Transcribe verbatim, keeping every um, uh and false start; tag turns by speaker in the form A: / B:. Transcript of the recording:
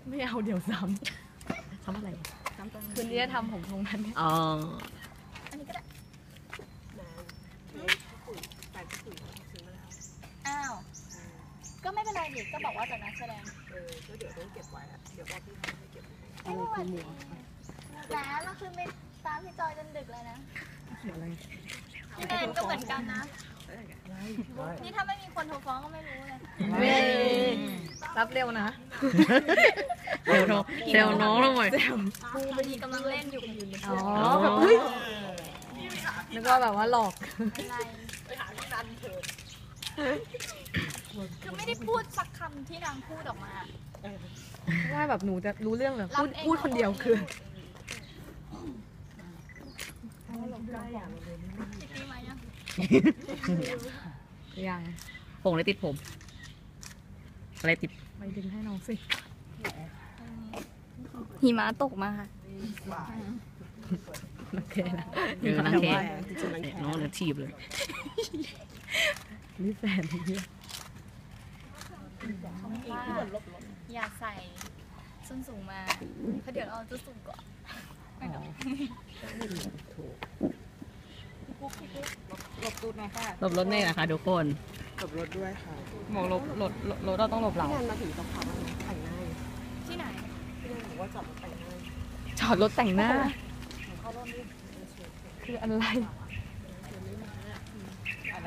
A: ไม่เอาเดี๋ยวซ้ำซ้ำอะไรคืนนี้จะทำผมตรงนั้น
B: อ๋อ
C: อันนี้ก็ได้อ้าวก็ไม่เป็นไรดิก็บอกว่าจากนักแสดงเออก็เดี๋ยวต้องเก็บไว้อะเดี๋ยวบอกพี่ทำให้เก็บไว้ไม่เป็นไรแหมเราคือไปตามพี่จอยจนดึกเลยนะพี่แนนก็เหมือนกันนะนี่ถ้าไม่มีคนโทรฟ้องก็ไม่รู้เลย
A: เว้รับเร็วนะ
B: เซลน้องเซลน้องลงหน่อย
C: ครูพอดีกำลังเล่นอยู่
A: อ๋อแบบเฮ้ยนึกว่าแบบว่าหลอก
C: อะไรไปหาที่นันเถอะคือไม่ได้พูดสักคำที่นางพูดออกมา
A: ว่าแบบหนูจะรู้เรื่องแบบพูดพูดคนเดียวคือ
C: ตีมายัง
A: ยัง
B: ผงอะไรติดผมอะไรติด
A: ไปดึงให้น้องสิ
C: หิมะตกมาค่ะ
A: โอเคนะ
B: เออนั่งแค่น้องเลยทีบเลย
A: นี่แฟนนี่
C: อย่าใส่ส้นสูงมาเพราะเดี๋ยวเราจะสูงกว่าหลบตูดหน่อยค่ะ
B: หลบรถเมล์นะคะทุกคน
D: หลบรถด้วยค่ะ
A: บอกหลบหลบรถเราต้องหลบเรา
D: ที่นั่นมาถึงต้องขับแต่งหน้า
C: ที่ไหน
D: ที่นั่นบอกว่าจอดรถแต่งหน้า
A: จอดรถแต่งหน้าคืออะไร